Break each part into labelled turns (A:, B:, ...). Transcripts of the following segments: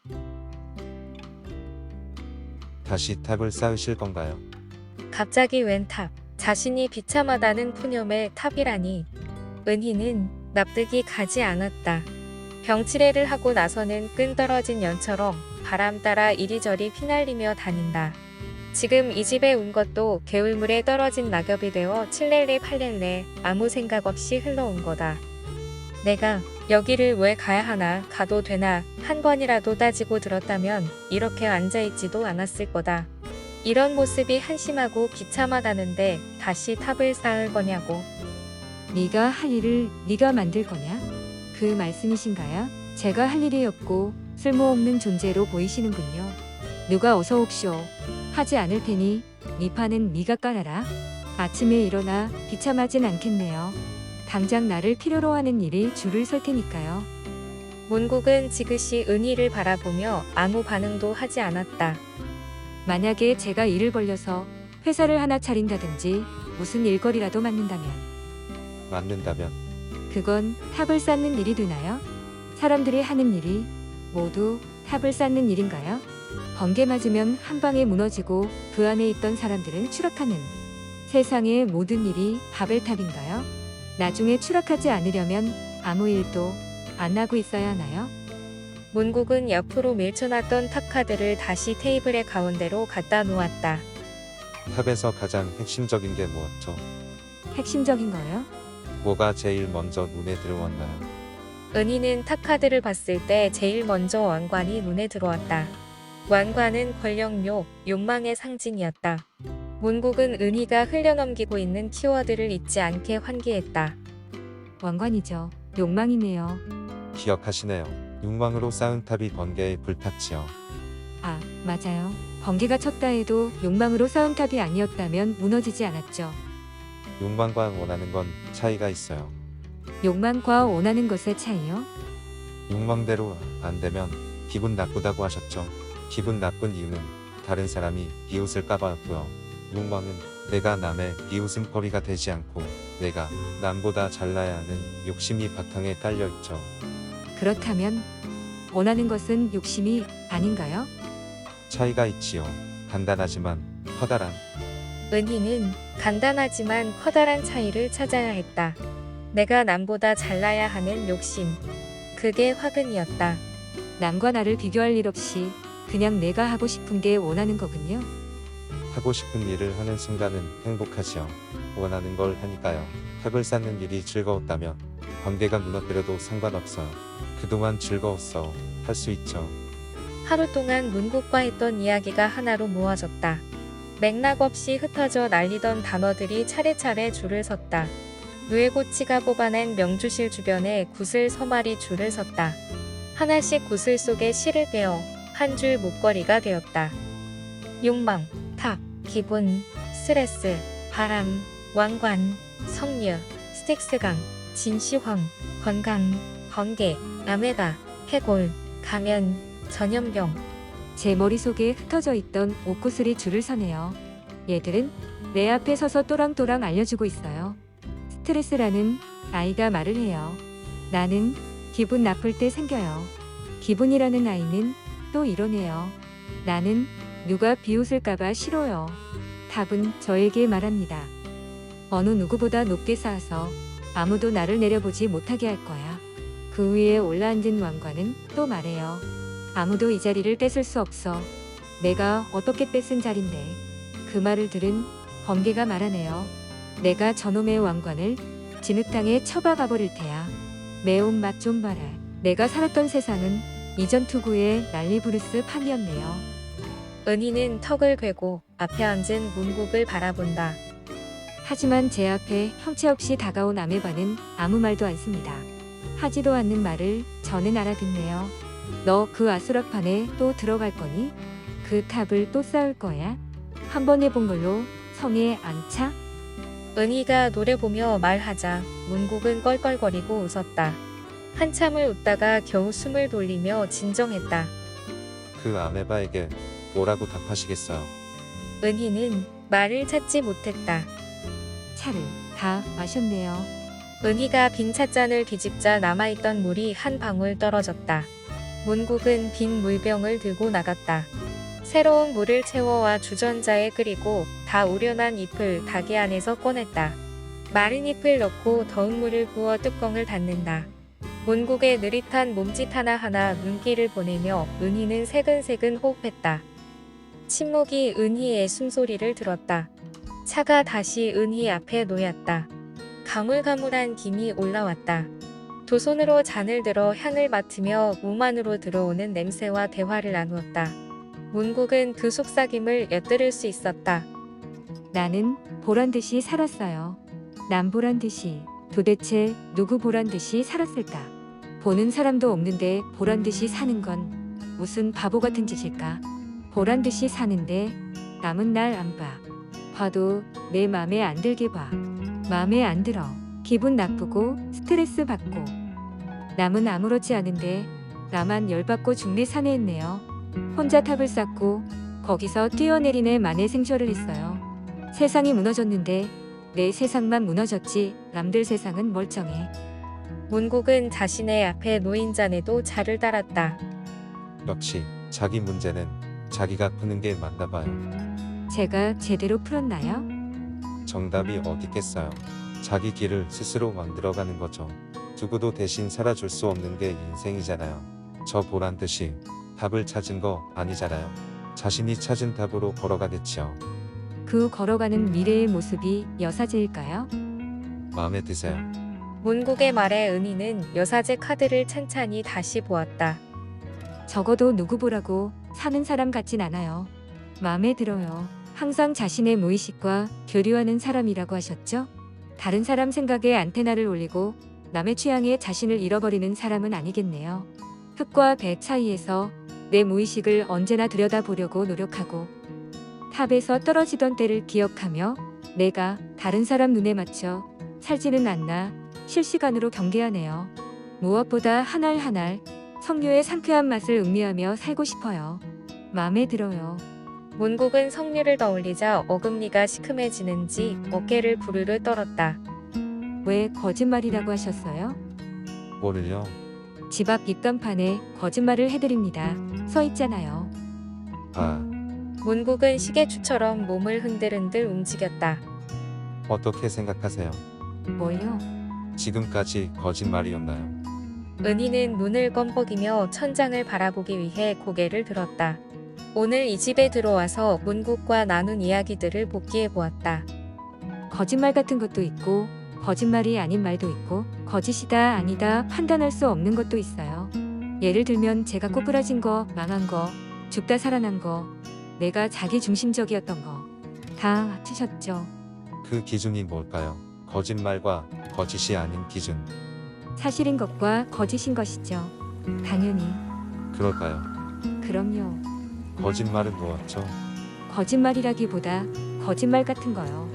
A: 다시 탑을 쌓으실 건가요?
B: 갑자기 웬 탑? 자신이 비참하다는 푸념의 탑이라니. 은희는 납득이 가지 않았다. 병치레를 하고 나서는 끈 떨어진 연처럼 바람 따라 이리저리 휘날리며 다닌다. 지금 이 집에 온 것도 개울물에 떨어진 낙엽이 되어 칠렐레 팔렐레 아무 생각 없이 흘러온 거다. 내가 여기를 왜 가야 하나, 가도 되나 한 번이라도 따지고 들었다면 이렇게 앉아있지도 않았을 거다. 이런 모습이 한심하고 비참하다는데 다시 탑을 쌓을 거냐고.
C: 네가 할 일을 네가 만들 거냐? 그 말씀이신가요? 제가 할 일이 없고 쓸모없는 존재로 보이시는군요. 누가 어서 옵쇼. 하지 않을 테니 네 판은 네가 깔아라. 아침에 일어나 비참하진 않겠네요. 당장 나를 필요로 하는 일이 줄을 설 테니까요.
B: 문국은 지그시 은희를 바라보며 아무 반응도 하지 않았다.
C: 만약에 제가 일을 벌려서 회사를 하나 차린다든지 무슨 일거리라도 맡는다면
A: 맞는다면
C: 그건 탑을 쌓는 일이 되나요? 사람들이 하는 일이 모두 탑을 쌓는 일인가요? 번개 맞으면 한 방에 무너지고 그 안에 있던 사람들은 추락하는 세상의 모든 일이 바벨탑인가요? 나중에 추락하지 않으려면 아무 일도 안 하고 있어야 하나요?
B: 문국은 옆으로 밀쳐놨던 탑 카드를 다시 테이블의 가운데로 갖다 놓았다.
A: 탑에서 가장 핵심적인 게 뭐였죠?
C: 핵심적인 거요?
A: 뭐가 제일 먼저 눈에 들어왔나요?
B: 은희는 탑 카드를 봤을 때 제일 먼저 왕관이 눈에 들어왔다. 왕관은 권력욕, 욕망의 상징이었다. 문국은 은희가 흘려넘기고 있는 키워드를 잊지 않게 환기했다.
C: 왕관이죠. 욕망이네요.
A: 기억하시네요. 욕망으로 쌓은 탑이 번개에 불탔지요.
C: 아, 맞아요. 번개가 쳤다 해도 욕망으로 쌓은 탑이 아니었다면 무너지지 않았죠.
A: 욕망과 원하는 건 차이가 있어요.
C: 욕망과 원하는 것의 차이요?
A: 욕망대로 안 되면 기분 나쁘다고 하셨죠. 기분 나쁜 이유는 다른 사람이 비웃을까봐였고요. 욕망은 내가 남의 비웃음거리가 되지 않고 내가 남보다 잘나야 하는 욕심이 바탕에 깔려있죠.
C: 그렇다면 원하는 것은 욕심이 아닌가요?
A: 차이가 있지요. 간단하지만 커다란.
B: 은희는 간단하지만 커다란 차이를 찾아야 했다. 내가 남보다 잘나야 하는 욕심. 그게 화근이었다.
C: 남과 나를 비교할 일 없이 그냥 내가 하고 싶은 게 원하는 거군요.
A: 하고 싶은 일을 하는 순간은 행복하지요. 원하는 걸 하니까요. 탑을 쌓는 일이 즐거웠다면 번개가 무너뜨려도 상관없어요. 그동안 즐거웠어. 할 수 있죠.
B: 하루 동안 문국과 했던 이야기가 하나로 모아졌다. 맥락 없이 흩어져 날리던 단어들이 차례차례 줄을 섰다. 누에고치가 뽑아낸 명주실 주변에 구슬 서말이 줄을 섰다. 하나씩 구슬 속에 실을 빼어 한 줄 목걸이가 되었다. 욕망, 탑, 기분, 스트레스, 바람, 왕관, 성류, 스틱스강, 진시황, 건강, 번개, 아메바, 해골, 가면, 전염병.
C: 제 머릿속에 흩어져 있던 옷구슬이 줄을 서네요. 얘들은 내 앞에 서서 또랑또랑 알려주고 있어요. 스트레스라는 아이가 말을 해요. 나는 기분 나쁠 때 생겨요. 기분이라는 아이는 또 이러네요. 나는 누가 비웃을까봐 싫어요. 답은 저에게 말합니다. 어느 누구보다 높게 쌓아서 아무도 나를 내려보지 못하게 할 거야. 그 위에 올라앉은 왕관은 또 말해요. 아무도 이 자리를 뺏을 수 없어. 내가 어떻게 뺏은 자리인데. 그 말을 들은 번개가 말하네요. 내가 저놈의 왕관을 진흙탕에 쳐박아 버릴 테야. 매운맛 좀 봐라. 내가 살았던 세상은 이전 투구의 난리부르스 판이었네요.
B: 은희는 턱을 괴고 앞에 앉은 문국을 바라본다.
C: 하지만 제 앞에 형체 없이 다가온 아메바는 아무 말도 않습니다. 하지도 않는 말을 저는 알아듣네요. 너 그 아수라판에 또 들어갈 거니? 그 탑을 또 쌓을 거야? 한 번 해본 걸로 성에 안 차?
B: 은희가 노래 보며 말하자 문국은 껄껄거리고 웃었다. 한참을 웃다가 겨우 숨을 돌리며 진정했다.
A: 그 아메바에게 뭐라고 답하시겠어요?
B: 은희는 말을 찾지 못했다.
C: 차를 다 마셨네요.
B: 은희가 빈 찻잔을 뒤집자 남아있던 물이 한 방울 떨어졌다. 문국은 빈 물병을 들고 나갔다. 새로운 물을 채워와 주전자에 끓이고 다 우려난 잎을 닭이 안에서 꺼냈다. 마른 잎을 넣고 더운 물을 부어 뚜껑을 닫는다. 문국의 느릿한 몸짓 하나하나 눈길을 보내며 은희는 새근새근 호흡했다. 침묵이 은희의 숨소리를 들었다. 차가 다시 은희 앞에 놓였다. 가물가물한 김이 올라왔다. 두 손으로 잔을 들어 향을 맡으며 몸 안으로 들어오는 냄새와 대화를 나누었다. 문국은 그 속삭임을 엿들을 수 있었다.
C: 나는 보란 듯이 살았어요. 남 보란 듯이. 도대체 누구 보란 듯이 살았을까? 보는 사람도 없는데 보란 듯이 사는 건 무슨 바보 같은 짓일까? 보란 듯이 사는데 남은 날 안 봐. 봐도 내 맘에 안 들게 봐. 마음에 안 들어. 기분 나쁘고 스트레스 받고. 남은 아무렇지 않은데 나만 열받고 죽네 사내했네요. 혼자 탑을 쌓고 거기서 뛰어내리네 만에 생쇼를 했어요. 세상이 무너졌는데 내 세상만 무너졌지 남들 세상은 멀쩡해.
B: 문국은 자신의 앞에 놓인 잔에도 차를 따랐다.
A: 역시 자기 문제는 자기가 푸는 게 맞나 봐요.
C: 제가 제대로 풀었나요?
A: 정답이 어디 있겠어요. 자기 길을 스스로 만들어가는 거죠. 누구도 대신 살아줄 수 없는 게 인생이잖아요. 저 보란 듯이 답을 찾은 거 아니잖아요. 자신이 찾은 답으로 걸어가겠지요.
C: 그 걸어가는 미래의 모습이 여사제일까요?
A: 마음에 드세요.
B: 문국의 말에 은희는 여사제 카드를 찬찬히 다시 보았다.
C: 적어도 누구 보라고 사는 사람 같진 않아요. 마음에 들어요. 항상 자신의 무의식과 교류하는 사람이라고 하셨죠? 다른 사람 생각에 안테나를 올리고 남의 취향에 자신을 잃어버리는 사람은 아니겠네요. 흙과 배 사이에서 내 무의식을 언제나 들여다보려고 노력하고 탑에서 떨어지던 때를 기억하며 내가 다른 사람 눈에 맞춰 살지는 않나 실시간으로 경계하네요. 무엇보다 한 알 한 알 석류의 상쾌한 맛을 음미하며 살고 싶어요. 마음에 들어요.
B: 문국은 석류를 떠올리자 어금니가 시큼해지는지 어깨를 부르르 떨었다.
C: 왜 거짓말이라고 하셨어요?
A: 뭐를요?
C: 집 앞 입간판에 거짓말을 해드립니다. 서 있잖아요.
A: 아,
B: 문국은 시계추처럼 몸을 흔들흔들 움직였다.
A: 어떻게 생각하세요?
C: 뭘요?
A: 지금까지 거짓말이었나요?
B: 은희는 눈을 껌뻑이며 천장을 바라보기 위해 고개를 들었다. 오늘 이 집에 들어와서 문국과 나눈 이야기들을 복기해 보았다.
C: 거짓말 같은 것도 있고 거짓말이 아닌 말도 있고 거짓이다 아니다 판단할 수 없는 것도 있어요. 예를 들면 제가 꼬부라진 거, 망한 거, 죽다 살아난 거, 내가 자기 중심적이었던 거 다 맞추셨죠.
A: 그 기준이 뭘까요? 거짓말과 거짓이 아닌 기준.
C: 사실인 것과 거짓인 것이죠. 당연히.
A: 그럴까요?
C: 그럼요.
A: 거짓말은 뭐였죠?
C: 거짓말이라기보다 거짓말 같은 거요.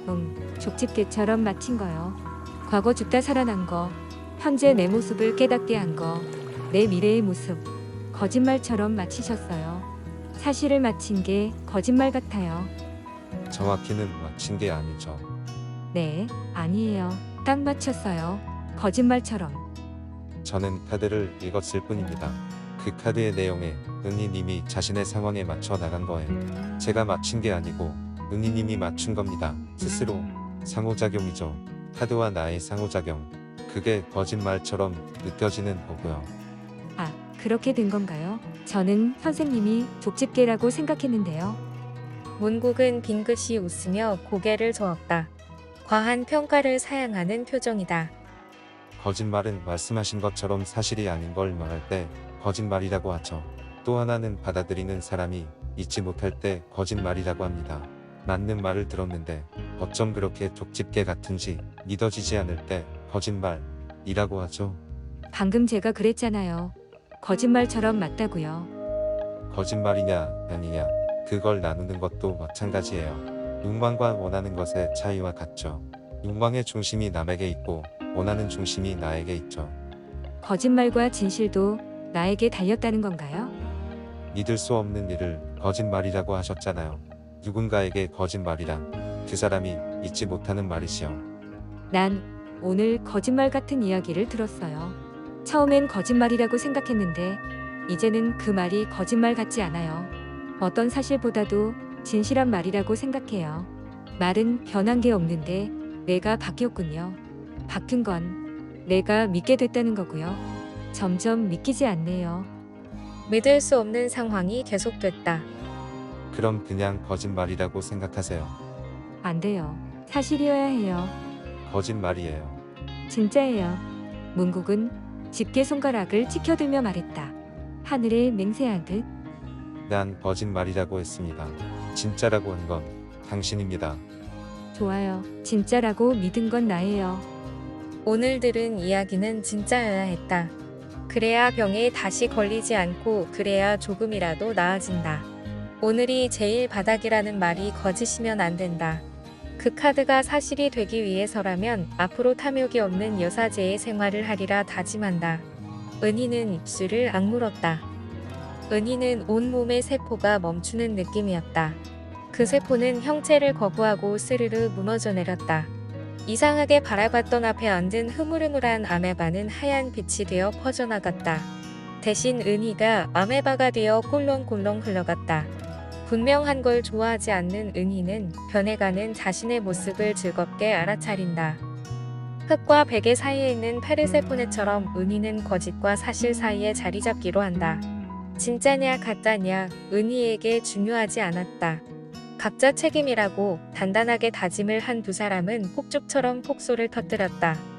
C: 족집게처럼 맞힌 거요. 과거 죽다 살아난 거, 현재 내 모습을 깨닫게 한 거, 내 미래의 모습. 거짓말처럼 맞히셨어요. 사실을 맞힌 게 거짓말 같아요.
A: 정확히는 맞힌 게 아니죠.
C: 네, 아니에요. 딱 맞췄어요. 거짓말처럼.
A: 저는 카드를 읽었을 뿐입니다. 그 카드의 내용에 은희님이 자신의 상황에 맞춰 나간 거예요. 제가 맞춘 게 아니고 은희님이 맞춘 겁니다. 스스로. 상호작용이죠. 카드와 나의 상호작용. 그게 거짓말처럼 느껴지는 거고요.
C: 아, 그렇게 된 건가요? 저는 선생님이 족집게라고 생각했는데요.
B: 문국은 빙긋이 웃으며 고개를 저었다. 과한 평가를 사양하는 표정이다.
A: 거짓말은 말씀하신 것처럼 사실이 아닌 걸 말할 때 거짓말이라고 하죠. 또 하나는 받아들이는 사람이 잊지 못할 때 거짓말이라고 합니다. 맞는 말을 들었는데 어쩜 그렇게 족집게 같은지 믿어지지 않을 때 거짓말이라고 하죠.
C: 방금 제가 그랬잖아요. 거짓말처럼 맞다고요.
A: 거짓말이냐 아니냐 그걸 나누는 것도 마찬가지예요. 욕망과 원하는 것의 차이와 같죠. 욕망의 중심이 남에게 있고 원하는 중심이 나에게 있죠.
C: 거짓말과 진실도 나에게 달렸다는 건가요?
A: 믿을 수 없는 일을 거짓말이라고 하셨잖아요. 누군가에게 거짓말이란 그 사람이 잊지 못하는 말이시요.
C: 난 오늘 거짓말 같은 이야기를 들었어요. 처음엔 거짓말이라고 생각했는데 이제는 그 말이 거짓말 같지 않아요. 어떤 사실보다도 진실한 말이라고 생각해요. 말은 변한 게 없는데 내가 바뀌었군요. 바뀐 건 내가 믿게 됐다는 거고요. 점점 믿기지 않네요.
B: 믿을 수 없는 상황이 계속됐다.
A: 그럼 그냥 거짓말이라고 생각하세요.
C: 안 돼요. 사실이어야 해요.
A: 거짓말이에요.
C: 진짜예요. 문국은 집게 손가락을 치켜들며 말했다. 하늘에 맹세하듯.
A: 난 거짓말이라고 했습니다. 진짜라고 한 건 당신입니다.
C: 좋아요. 진짜라고 믿은 건 나예요.
B: 오늘 들은 이야기는 진짜여야 했다. 그래야 병에 다시 걸리지 않고 그래야 조금이라도 나아진다. 오늘이 제일 바닥이라는 말이 거짓이면 안 된다. 그 카드가 사실이 되기 위해서라면 앞으로 탐욕이 없는 여사제의 생활을 하리라 다짐한다. 은희는 입술을 악물었다. 은희는 온몸의 세포가 멈추는 느낌이었다. 그 세포는 형체를 거부하고 스르르 무너져 내렸다. 이상하게 바라봤던 앞에 앉은 흐물흐물한 아메바는 하얀 빛이 되어 퍼져나갔다. 대신 은희가 아메바가 되어 꼴렁꼴렁 흘러갔다. 분명한 걸 좋아하지 않는 은희는 변해가는 자신의 모습을 즐겁게 알아차린다. 흙과 베개 사이에 있는 페르세포네처럼 은희는 거짓과 사실 사이에 자리 잡기로 한다. 진짜냐 가짜냐 은희에게 중요하지 않았다. 각자 책임이라고 단단하게 다짐을 한 두 사람은 폭죽처럼 폭소를 터뜨렸다.